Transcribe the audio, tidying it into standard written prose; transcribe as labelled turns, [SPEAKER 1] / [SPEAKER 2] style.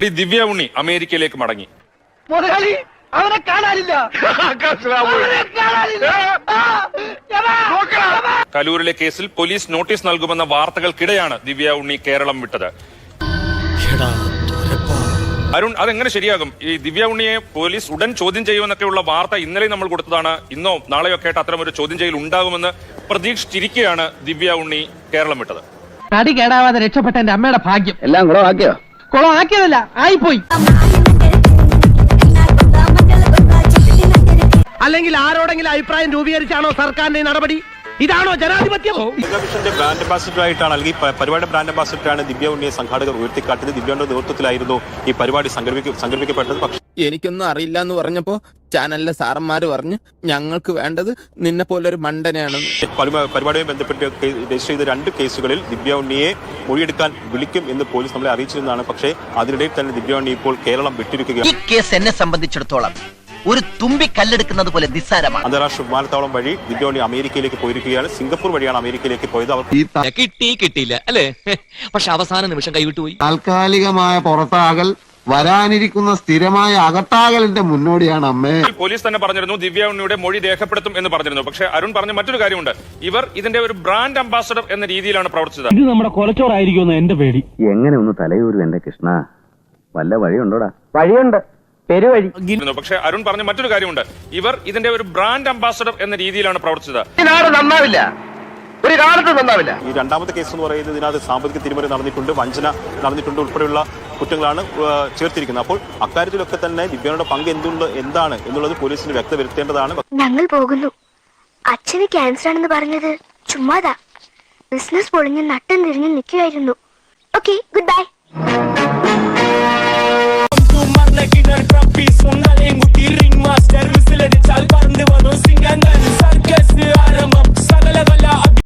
[SPEAKER 1] നടി ദിവ്യ ഉണ്ണി അമേരിക്കയിലേക്ക് മടങ്ങി.
[SPEAKER 2] അവനെ കാണാനില്ല.
[SPEAKER 1] കലൂരിലെ കേസിൽ പോലീസ് നോട്ടീസ് നൽകുമെന്ന വാർത്തകൾക്കിടെയാണ് ദിവ്യ ഉണ്ണി കേരളം വിട്ടത്. അരുൺ, അതെങ്ങനെ ശരിയാകും? ഈ ദിവ്യ ഉണ്ണിയെ പോലീസ് ഉടൻ ചോദ്യം ചെയ്യുമെന്നൊക്കെയുള്ള വാർത്ത ഇന്നലെ നമ്മൾ കൊടുത്തതാണ്. ഇന്നോ നാളെയോ ഒക്കെ ആയിട്ട് അത്തരം ഒരു ചോദ്യം ചെയ്യൽ ഉണ്ടാകുമെന്ന് പ്രതീക്ഷിച്ചിരിക്കെയാണ് ദിവ്യ ഉണ്ണി കേരളം വിട്ടത്.
[SPEAKER 2] തടി കേടാവാതെ രക്ഷപ്പെട്ട എന്റെ അമ്മയുടെ ഭാഗ്യം.
[SPEAKER 3] എല്ലാം കുളമാക്കിയോ?
[SPEAKER 2] കുളമാക്കിയതല്ല, ആയിപ്പോയി. അല്ലെങ്കിൽ ആരോടെങ്കിലും അഭിപ്രായം രൂപീകരിച്ചാണോ സർക്കാരിന്റെ നടപടി? ഇതാണോ ജനാധിപത്യം?
[SPEAKER 4] ടെലിവിഷന്റെ ബ്രാൻഡ് അംബാസിഡർ ആയിട്ടാണ്, അല്ലെങ്കിൽ പരിപാടിയുടെ ബ്രാൻഡ് അംബാസിഡറാണ് ദിവ്യ ഉണ്ണിയെ സംഘാടകർ ഉയർത്തിക്കാട്ടിയത്. ദിവ്യയുടെ നേതൃത്വത്തിലായിരുന്നു ഈ പരിപാടി സംഘടിപ്പിക്കപ്പെട്ടത്. പക്ഷേ
[SPEAKER 3] എനിക്കൊന്നും അറിയില്ല എന്ന് പറഞ്ഞപ്പോ ചാനലിലെ സാറന്മാര് പറഞ്ഞു ഞങ്ങൾക്ക് വേണ്ടത് നിന്നെ പോലൊരു മണ്ടനെയാണ്.
[SPEAKER 4] പരിപാടിയുമായി ബന്ധപ്പെട്ട് രജിസ്റ്റർ ചെയ്ത 2 കേസുകളിൽ ദിവ്യ ഉണ്ണിയെ മൊഴിയെടുക്കാൻ വിളിക്കും എന്ന് പോലീസ് നമ്മളെ അറിയിച്ചിരുന്നതാണ്. പക്ഷേ അതിനിടയിൽ തന്നെ ദിവ്യ ഉണ്ണി ഇപ്പോൾ കേരളം വിട്ടിരിക്കുകയാണ്.
[SPEAKER 5] ഈ കേസ് എന്നെ സംബന്ധിച്ചിടത്തോളം ഒരു തുമ്പി കല്ലെടുക്കുന്നത് പോലെ നിസ്സാരമാണ്.
[SPEAKER 4] അന്താരാഷ്ട്ര വിമാനത്താവളം വഴി ദിവ്യ ഉണ്ണി അമേരിക്കയിലേക്ക് പോയിരിക്കുകയാണ്. സിംഗപ്പൂർ വഴിയാണ് അമേരിക്കയിലേക്ക് പോയത്. അവർ
[SPEAKER 6] കിട്ടിയില്ല അല്ലേ? പക്ഷെ അവസാന നിമിഷം കൈവിട്ടുപോയി.
[SPEAKER 7] താൽക്കാലികമായ പുറത്താകൽ വരാനിരിക്കുന്ന സ്ഥിരമായ അകത്താകലിന്റെ മുന്നോടിയാണ് അമ്മേ.
[SPEAKER 1] പോലീസ് തന്നെ പറഞ്ഞിരുന്നു ദിവ്യ ഉണ്ണിയുടെ മൊഴി രേഖപ്പെടുത്തും എന്ന് പറഞ്ഞിരുന്നു. പക്ഷേ അരുൺ പറഞ്ഞ മറ്റൊരു കാര്യമുണ്ട്. ഇവർ ഇതിന്റെ ഒരു ബ്രാൻഡ് അംബാസഡർ എന്ന രീതിയിലാണ് പ്രവർത്തിച്ചത്.
[SPEAKER 2] ഇത് നമ്മുടെ കൊലച്ചോറായിരിക്കുമെന്ന് എന്റെ പേടി.
[SPEAKER 3] എങ്ങനെ ഒന്ന് തലയൂരും എന്റെ കൃഷ്ണ, വല്ല വഴിയുണ്ടോടാ?
[SPEAKER 2] വഴിയുണ്ട്, പെരുവഴി.
[SPEAKER 1] പക്ഷേ അരുൺ പറഞ്ഞ മറ്റൊരു കാര്യമുണ്ട്. ഇവർ ഇതിന്റെ ഒരു ബ്രാൻഡ് അംബാസഡർ എന്ന രീതിയിലാണ് പ്രവർത്തിച്ചത്.
[SPEAKER 2] നന്നാവില്ല, ഒരു കാലത്ത് നന്നാവില്ല.
[SPEAKER 4] ഈ 2ാമത്തെ കേസ് എന്ന് പറയുന്നത് ഇതിനകത്ത് സാമ്പത്തിക തിരിമറി നടന്നിട്ടുണ്ട്, വഞ്ചന നടന്നിട്ടുണ്ട് ഉൾപ്പെടെയുള്ള കുറ്റങ്ങളാണ് ചേർത്തിരിക്കുന്നത്. അപ്പോൾ അക്കാര്യത്തിലൊക്കെ തന്നെ ദിവ്യയുടെ പങ്ക് എന്താണ് എന്നുള്ളത് പോലീസിന് വ്യക്തവരുത്തേണ്ടതാണ്.
[SPEAKER 8] ഞങ്ങൾ പോകുന്നു. അച്ഛന് ക്യാൻസർ ആണെന്ന് പറഞ്ഞത് ചുമ്മാതാ. ബിസിനസ് പൊളിഞ്ഞ് നട്ടം തിരിഞ്ഞ് നിൽക്കുകയായിരുന്നു. Okay, good bye.